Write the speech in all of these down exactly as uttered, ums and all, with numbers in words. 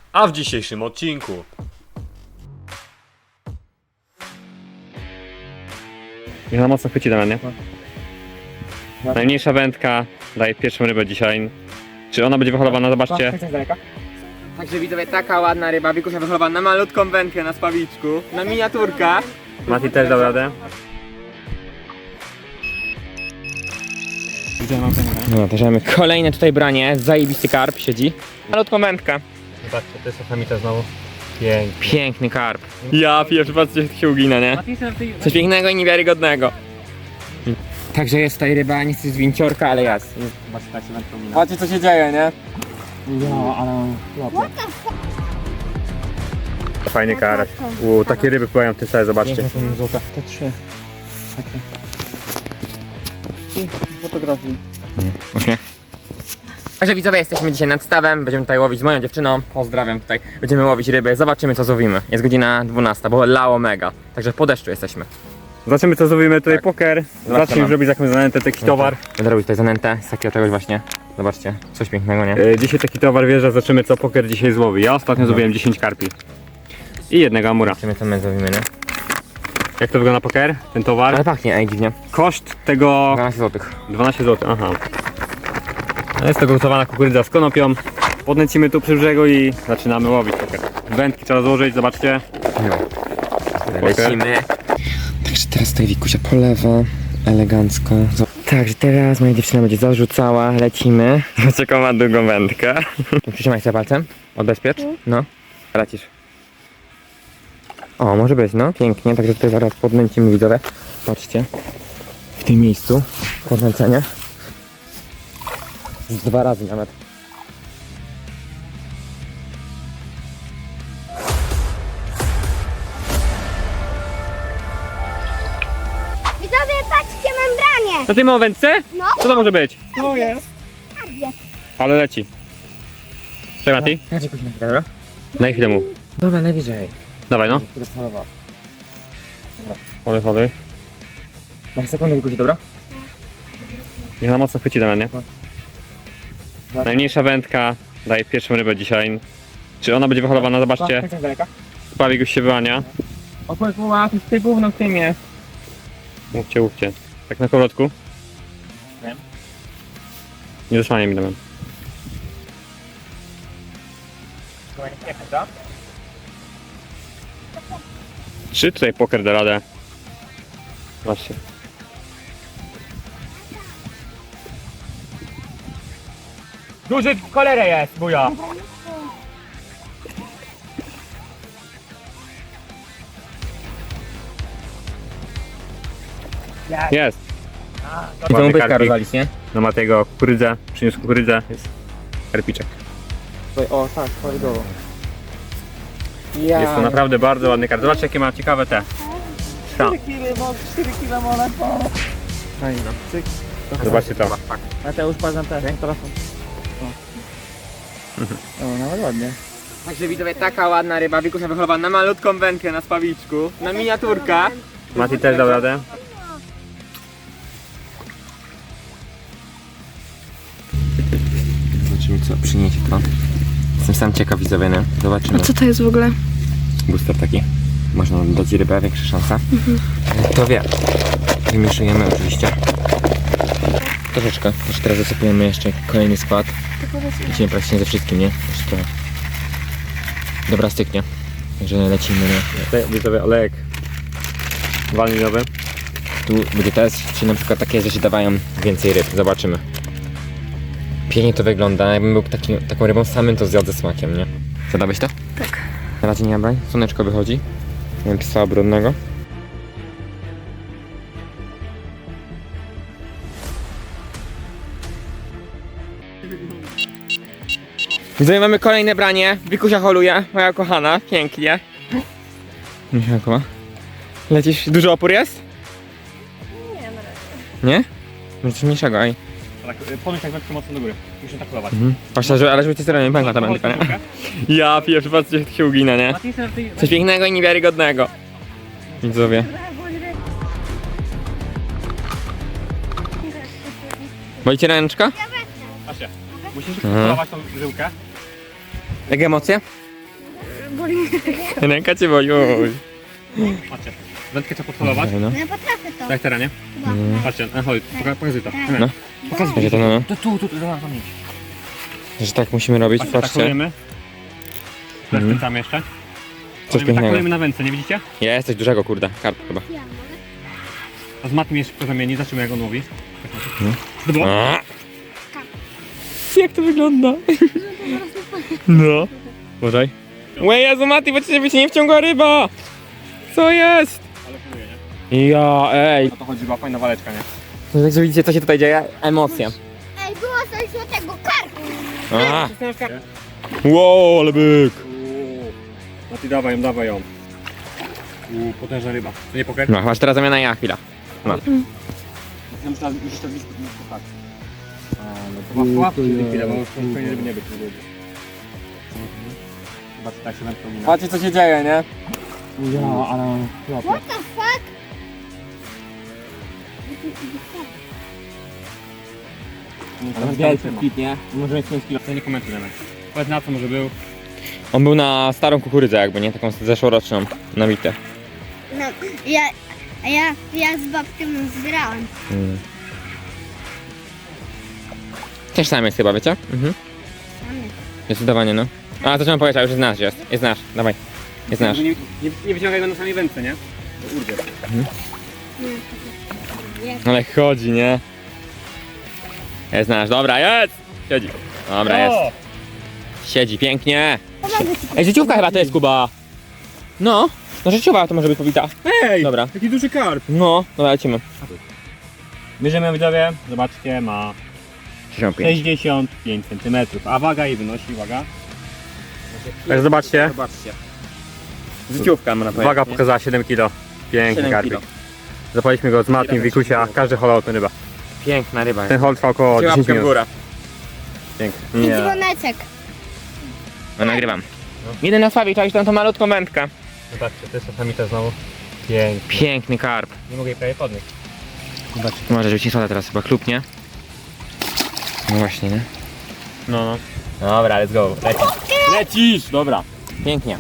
A w dzisiejszym odcinku Niech na mocno chwyci Damian, nie? Najmniejsza wędka daje pierwszą rybę dzisiaj. Czy ona będzie wyholowana? Zobaczcie. Także widzowie, taka ładna ryba, Wikusia wycholowana na malutką wędkę na spawiczku, na miniaturka. Mati też dał radę. No, też mamy kolejne tutaj branie, zajebisty karp siedzi. Malutką wędkę. Zobaczcie, to jest samita znowu. Pięknie. Piękny karp. Ja pierwszy patrzcie, jak się ugina, nie? Coś pięknego i niewiarygodnego. Także jest tutaj ryba, nie chcę z winciorka, ale jest. Patrzcie, co się dzieje, nie? Ja, ale... Fajny karaś. Uuu, takie ryby pływają w tym stale, zobaczcie. Złota. Te trzy. Takie. I fotografii. Uśmiech. Także widzowie, jesteśmy dzisiaj nad stawem, będziemy tutaj łowić z moją dziewczyną, pozdrawiam tutaj, będziemy łowić ryby, zobaczymy co złowimy. Jest godzina dwunasta, bo lało mega, także po deszczu jesteśmy. Zobaczymy co zrobimy tutaj Tak. poker. Zobaczmy. Zacznij już robić jakąś zanętę, taki towar. Będę robić tutaj zanętę z takiego czegoś właśnie, zobaczcie, coś pięknego, nie? E, dzisiaj taki towar wjeżdża, zobaczymy co poker dzisiaj złowi. Ja ostatnio złowiłem dziesięć karpi. I jednego amura. Zobaczymy co my zrobimy, nie? Jak to wygląda poker? Ten towar? Ale pachnie, ej, dziwnie. Koszt tego dwanaście złotych. dwanaście złotych, aha. Jest to gotowana kukurydza z konopią. Podnęcimy tu przy brzegu i zaczynamy łowić poker. Wędki trzeba złożyć, zobaczcie. Lecimy. Także teraz tutaj Wikusia polewa, elegancko. Także teraz moja dziewczyna będzie zarzucała, lecimy. Zobaczcie, jaką ma długą wędkę. Przytrzymaj sobie palcem, odbezpiecz. No, lecisz. O, może być, no, pięknie, także tutaj zaraz podnęcimy, widzowie. Patrzcie, w tym miejscu podnęcenie. Z dwa razy nawet. Widzowie, patrzcie, mam branie! Na tym o wędce? No. Co to może być? To jest. Ale leci. Czekaj Mati, Ja cię później, dobra? daj chwilę mu. Dobra, najwyżej. Dawaj no. Chody, chody. Mam sekundę, Wikusi, dobra? Niech na mocno chwyci Damian, nie? Najmniejsza wędka daje pierwszą rybę dzisiaj. Czy ona będzie wyholowana? Zobaczcie. Pawik już się wyłania. Opłynęła, to jest ty gówno w tym jest. Mówcie, mówcie. Tak na kołotku. Wiem. Nie zasłaniaj mi Damian. Czy tutaj poker da radę? Zobaczcie. Duży w cholerę jest, buja. Jest! I tą Ładny bytka karpik. rozwalić, nie? No ma tego kukurydzę, przyniósł kukurydzę, jest karpiczek. O, tak, prawidłowo. Jest to naprawdę bardzo ładny karp. Zobaczcie jakie ma ciekawe te. Ta. Zobaczcie to. Mateusz, patrz też, telefon. O, nawet ładnie. Także widzowie, taka ładna ryba, Wikusia wycholowana na malutką wędkę na spawiczku, na miniaturka. Mati też dał radę. Zobaczymy co przyniesie to. Jestem sam ciekaw, widzowie, nie? Zobaczymy. A co to jest w ogóle? Booster taki. Można dać rybę, większa szansa. To wie. Wymieszujemy oczywiście. Troszeczkę. Jeszcze teraz zasypujemy jeszcze kolejny skład. Lecimy praktycznie ze wszystkim, nie? Jeszcze trochę. Dobra, styknie. Także lecimy, nie? Tutaj widzowie olejek waniliowy. Tu będzie test, czy na przykład takie rzeczy dawają więcej ryb. Zobaczymy. Pięknie to wygląda. Jakbym był taki, taką rybą samym, to zjadł ze smakiem, nie? Zadałeś to? Tak. Na razie nie braj. Słoneczko wychodzi. Nie mam psa brudnego. Widzowie, mamy kolejne branie. Wikusia holuje, moja kochana. Pięknie. Michałkowa. Lecisz, duży opór jest? Nie, nie? No coś mniejszego, ej. Tak, podnieś tak wędkę mocno do góry. Muszę tak pływać. Mhm. Patrzę, że, ale żeby ci stronę nie pękła ta wędka, nie? Ja pierwszy patrzcie, jak się ugina, nie? Coś pięknego i niewiarygodnego. Widzowie. Boli cię ręczka? Asia, musisz Mhm. polować tą żyłkę. Jakie emocje? Ręka cię boli, oj. Patrzcie, wędkę trzeba podholować. No. No ja potrafię to. Tak teraz, nie? Chyba. Patrzcie, no chodź, poka- pokazuj to. No. Pokazuj Będzie to no, no. To tu, tu, tu, za nami. Że tak musimy robić, Patrzcie, patrzcie. takujemy. Rozkręcamy jeszcze. Coś pięknego. Takujemy na wędce, nie widzicie? Jest coś dużego, kurde. Karp chyba. Ja mogę. A z matmy jeszcze zamieni, zobaczymy jak on łowi. No. To było? A! Jak to wygląda? No. Uważaj. Łe, Jezu, Mati, bo cię by cię nie wciągła ryba! Co jest? Ale próbuję, nie? Ja, ej. O to chodzi, była fajna waleczka, nie? No także widzicie, co się tutaj dzieje? Emocja. Ej, było coś złotego karku. A. Wow, ale byk. Uuu. No ty dawaj ją, dawaj ją. Uuu, potężna ryba. To nie poker? No, masz teraz zamiana ja, chwila. No. Ja muszę już to blisko nie tak. A, no to ma łapki chwilę, bo już pewnie ryby nie być. Nie będzie. Chyba tak się wędką mina. Patrzcie, co się dzieje, nie? Ja, ale... What the fuck? Ale wielki kit, nie? Może mieć pięć kilo. To nie komentuj nawet. Powiedz na co może był. On był na starą kukurydzę jakby, nie? Taką zeszłoroczną, na mitę. No, ja, a ja, ja z babcią zgrałem. Mm. Też sam jest chyba, wiecie? Mhm. Zdecydowanie, no. A, to trzeba powiedzieć, a już jest nasz, jest. Jest nasz, dawaj. Jest nasz. Nie, nie, nie wyciągaj go na samej wędce, nie? To urwie. Ale chodzi, nie? Jest nasz, dobra, jest! Siedzi. Dobra, jest. Siedzi, pięknie. Pomogę ci. Ej, życiówka chyba to jest, Kuba. No, no życiowa to może być powita. Ej! Dobra. Jaki duży karp! No, dobra, lecimy. Bierzemy widzowie, zobaczcie, ma sześćdziesiąt pięć centymetrów, a waga jej wynosi, uwaga. Tak, zobaczcie. Zobaczcie. Życiówka, można powiedzieć. Waga nie? pokazała siedem kilo. Piękny siedem karpik. kilo. Zapaliśmy go z Matkiem, Wikusia, każdy holał tę rybę. Piękna ryba. Ten hol trwał około Dajcie dziesięć łapkę w minut. górę. Piękny. I Nie. dzwoneczek. No, nagrywam. Jeden na Sławie, czaisz tam tą malutką wędkę. Zobaczcie, to jest czasami to znowu. Piękny. Piękny karp. Nie mogę jej prawie podnieść. Zobaczcie. Może rzucić soda teraz chyba klupnie. No właśnie, nie? No, no. Dobra, let's go. Lecisz. Lecisz! Dobra. Pięknie.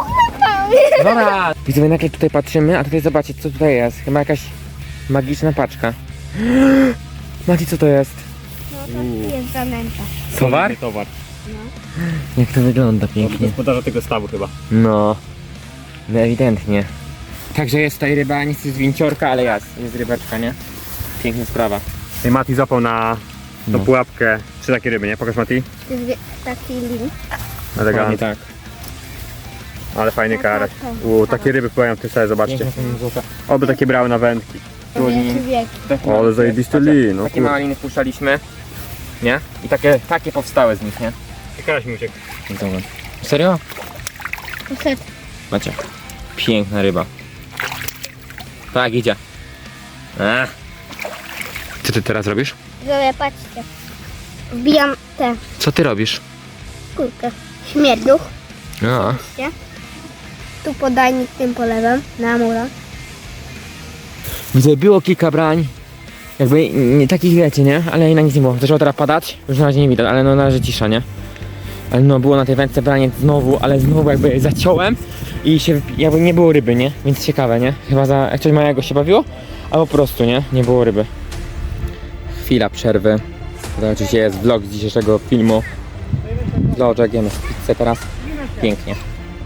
Dobra. Widzowie, nagle tutaj patrzymy, a tutaj zobaczcie, co tutaj jest. Chyba jakaś magiczna paczka. Mati, co to jest? No to jest zanęta. Towar? Nie towar. Jak to wygląda Od pięknie. gospodarza tego stawu chyba. No. No ewidentnie. Także jest tutaj ryba, nie jest winciorka, ale jest. Jest rybeczka, nie? Piękna sprawa. I Mati złapał na tą No. pułapkę trzy takie ryby, nie? Pokaż Mati. To jest wie- taki link. Dokładnie tak. Ale fajny karać. Uuu, takie ryby pływają w tym sobie, zobaczcie. Piękne są złote. Oby takie brały na wędki. Wielki wiek. O, ale zajebisty lin, no Takie kurde. małe liny wpuszczaliśmy. Nie? I takie, takie powstały z nich, nie? Karaś mi uciekł. Dobra. Serio? Poszedł. Macie. Piękna ryba. Tak, idzie. A. Co ty teraz robisz? Zobaczcie, patrzcie. Wbijam tę Co ty robisz? kurkę. Śmierduch. No. Tu podajnik tym polewem. Na murach. Widzę, było kilka brań. Jakby nie takich wiecie, nie? Ale na nic nie było. Zaczęło teraz padać. Już na razie nie widać, ale no na razie cisza, nie? Ale no było na tej wędce branie znowu, ale znowu jakby zaciąłem i się wypi- jakby nie było ryby, nie? Więc ciekawe, nie? Chyba za jak coś małego się bawiło, a po prostu, nie? Nie było ryby. Chwila przerwy. To oczywiście jest vlog z dzisiejszego filmu. Vloczek, jemy pizzę teraz. Pięknie.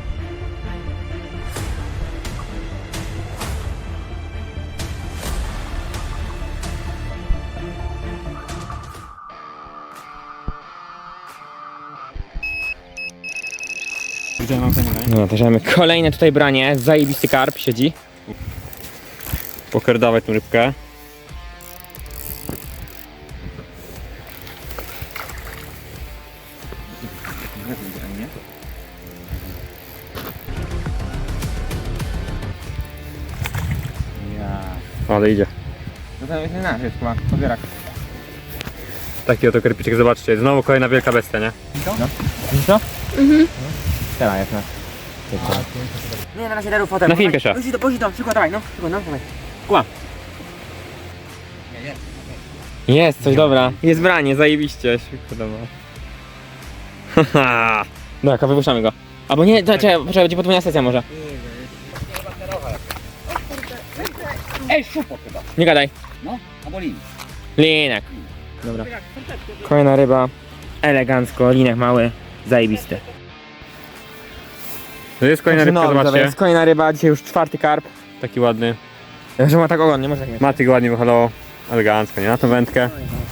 Widziałem mam ten No, też mamy kolejne tutaj branie. Zajebisty karp siedzi. Poker, dawaj tą rybkę. Ale idzie. No to jest nasz, jest chyba pobierak. Taki oto kerpiczek, zobaczcie. Znowu kolejna wielka bestia, nie? Widzisz to? Mhm. Teraz jest nasz. Nie, na razie daru fotel. Na film pierwsza. Pożij to, pożij to, szybko, dawaj, no, szybko, no, dawaj. Kła. Jest, coś dobra. Jest branie, zajebiście, się podoba. Haha. Dobra, wypuszczamy go. Albo nie, to czekaj, poczekaj, będzie podwójna sesja może. Ej, szupot chyba. Nie gadaj. No, albo lin. Linek. Dobra. Kolejna ryba. Elegancko, linek mały. Zajebisty. To jest kolejna rybka, No, dobra, zobaczcie. jest kolejna ryba, dzisiaj już czwarty karp. Taki ładny. Że ma tak ogon, nie może tak mieć. Matyk ładnie wyholował. Elegancko, nie? Na tą wędkę.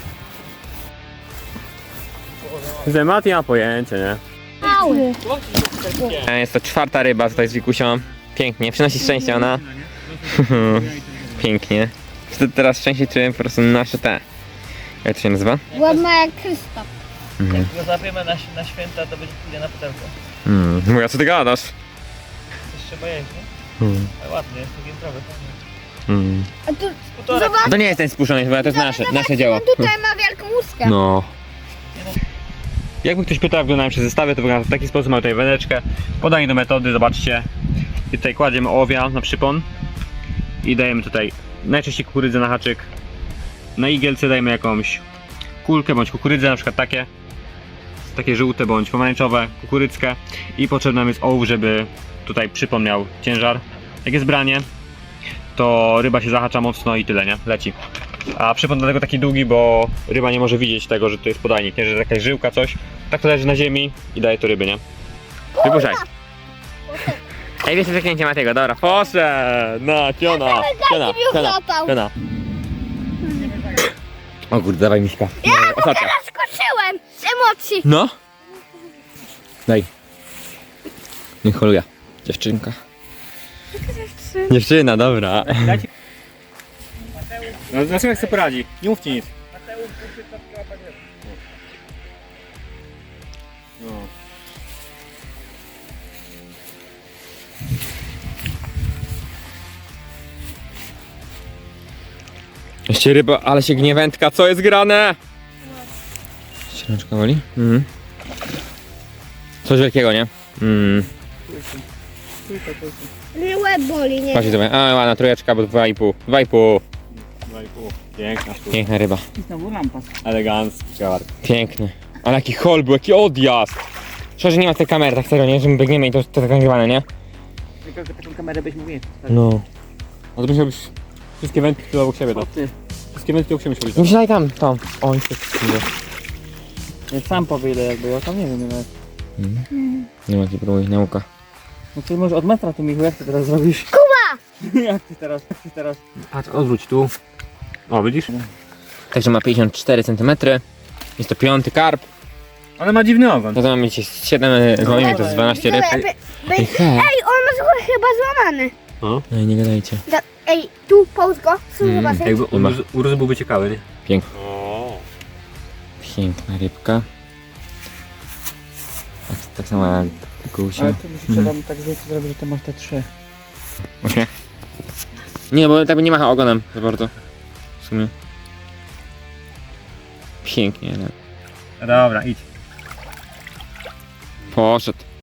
Że Mati ma pojęcie, nie? Mały. Jest to czwarta ryba tutaj z Wikusią. Pięknie, przynosi szczęście ona. Pięknie. Wtedy teraz szczęście czułem po prostu nasze te. Jak to się nazywa? Ładna jak Krzysztof. Mhm. Jak go złapiemy na, na święta, to będzie pójdzie na pudełko. Mm. Mówię, co ty gadasz? Coś trzeba jeść, nie? Mm. Ale ładny, jest to giętrowy. Mm. A tu Półtora. To nie jest ten spuszczony, chyba to jest nasze, nasze dzieło. on tutaj ma wielką łuskę. No. Jakby ktoś pytał, jak wyglądają przez zestawy, to wygląda w taki sposób. Mamy tutaj wędeczkę. Podanie do metody, zobaczcie. I tutaj kładziemy ołowia na przypon. I dajemy tutaj najczęściej kukurydzę na haczyk. Na igielce dajemy jakąś kulkę bądź kukurydzę, na przykład takie. Takie żółte bądź pomarańczowe, kukurydzkę. I potrzebny nam jest ołów, żeby tutaj przypon miał ciężar. Jak jest branie, to ryba się zahacza mocno i tyle, nie? Leci. A przypon dlatego taki długi, bo ryba nie może widzieć tego, że to jest podajnik, nie? Że jakaś żyłka, coś. Tak to leży na ziemi i daje to ryby, nie? Wypuszczaj. Ej, wiesz, przeknięcie Matego, dobra, poszedł! No, piona, piona, piona, piona. O kurde, dawaj miśka. Ostatnia. Skoczyłem z emocji. No. Daj. Niech holuje. Dziewczynka. Dziewczyna, dobra. No zobaczymy, jak sobie poradzi. Nie mówcie nic. No. Jeszcze ryba, ale się gnie wędka, co jest grane? Ścierączka woli? Mhm. Coś wielkiego, nie? Mhm. Mnie łeb boli, nie? Patrzcie sobie, a ładna trójeczka, bo dwa i pół. Dwa i pół. Dwa i pół. Piękna sztuka. Piękna ryba. I znowu lampa. Elegancki karp. Piękny. Ale jaki hol był, jaki odjazd. Szczerze nie ma tej kamery, tak serio, nie? Że my biegniemy i to, to tak nagrywane, nie? Tylko, że taką kamerę byś mógł mieć. No. No to musiałbyś wszystkie wędki tu obok siebie, to. O ty. Wszystkie wędki obok siebie musiałbyś. Nie myślaj tam, tam. O, nic takiego. Ja sam powyjdę jakby, ja tam nie wiem nawet. Nie ma ci próbuj, nauka. No ty może od metra tu Michu, jak ty teraz zrobisz? Kuba! jak ty teraz, jak ty teraz? Patrz, odwróć tu. O, widzisz? Także ma pięćdziesiąt cztery centymetry. Jest to piąty karp. Ale ma dziwny ogon. No to mamy dzisiaj siedem z moimi, to jest dwanaście ryb. Ej, Ej, hej. ej, on ma chyba złamany. Ej, nie gadajcie. Da, ej, tu, połóż go. Mm, Zobaczyć. Jakby Chyba. urósł, urósł byłby ciekawy, nie? Piękny. O. Piękna rybka. Tak, tak samo jak gusia. Ale to musi trzeba tak zrobić, że to masz te trzy. Właśnie. Nie, bo tak nie macha ogonem za bardzo. W sumie. Pięknie, ale... Dobra, idź. Poszedł.